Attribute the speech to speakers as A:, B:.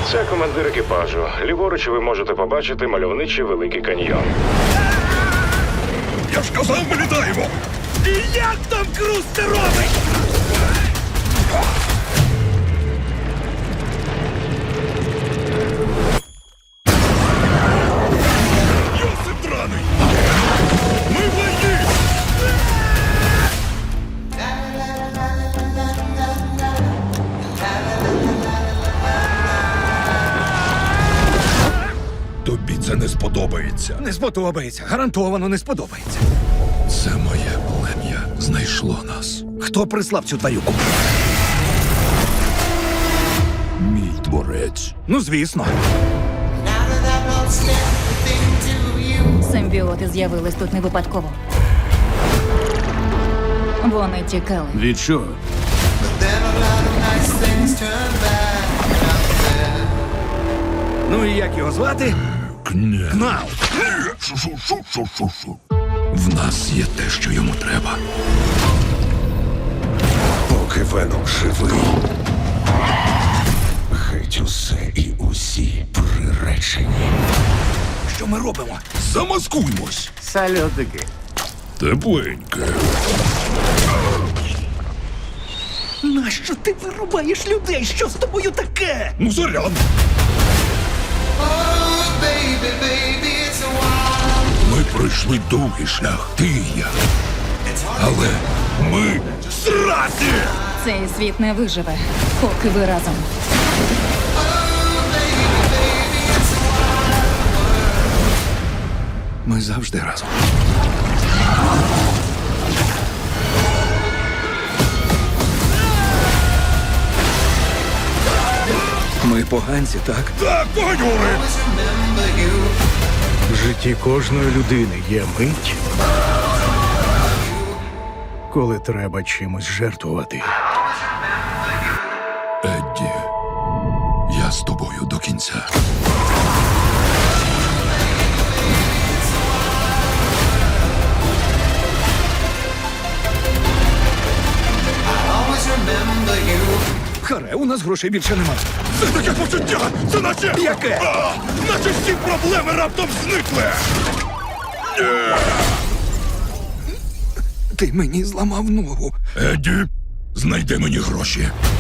A: Це командир екіпажу. Ліворуч ви можете побачити мальовничий Великий каньйон.
B: Я ж казав, ми літаємо!
C: І як там Круз це робить?
B: Йосип драний! Ми в війні! Тобі це не сподобається.
C: Не сподобається. Гарантовано не сподобається.
B: Це моє плем'я знайшло нас.
C: Хто прислав цю тварюку?
B: Мій творець.
C: Ну, звісно.
D: Симбіоти з'явились тут не випадково. Вони тікали.
C: Від чого? Ну і як його звати?
B: Кня.
C: Кнал.
B: Шу-шу-шу-шу-шу-шу. В нас є те, що йому треба.
E: Поки Веном живий, геть усе і усі приречені.
C: Що ми робимо?
B: Замаскуймось.
C: Сальотики.
B: Тепленьке.
C: Нащо ти вирубаєш людей? Що з тобою таке?
B: Ну, заряд. Ми пройшли довгий шлях, ти і я. Але ми зраді!
D: Цей світ не виживе, поки ви разом.
C: Ми завжди разом. Ми поганці, так?
B: Так, погонюри!
F: В житті кожної людини є мить, коли треба чимось жертвувати.
B: Едді, я з тобою до кінця.
C: Харе, у нас грошей більше немає.
B: Це таке почуття! Це наче...
C: Яке?
B: Наче всі проблеми раптом зникли!
C: Ти мені зламав ногу.
B: Едді, знайди мені гроші.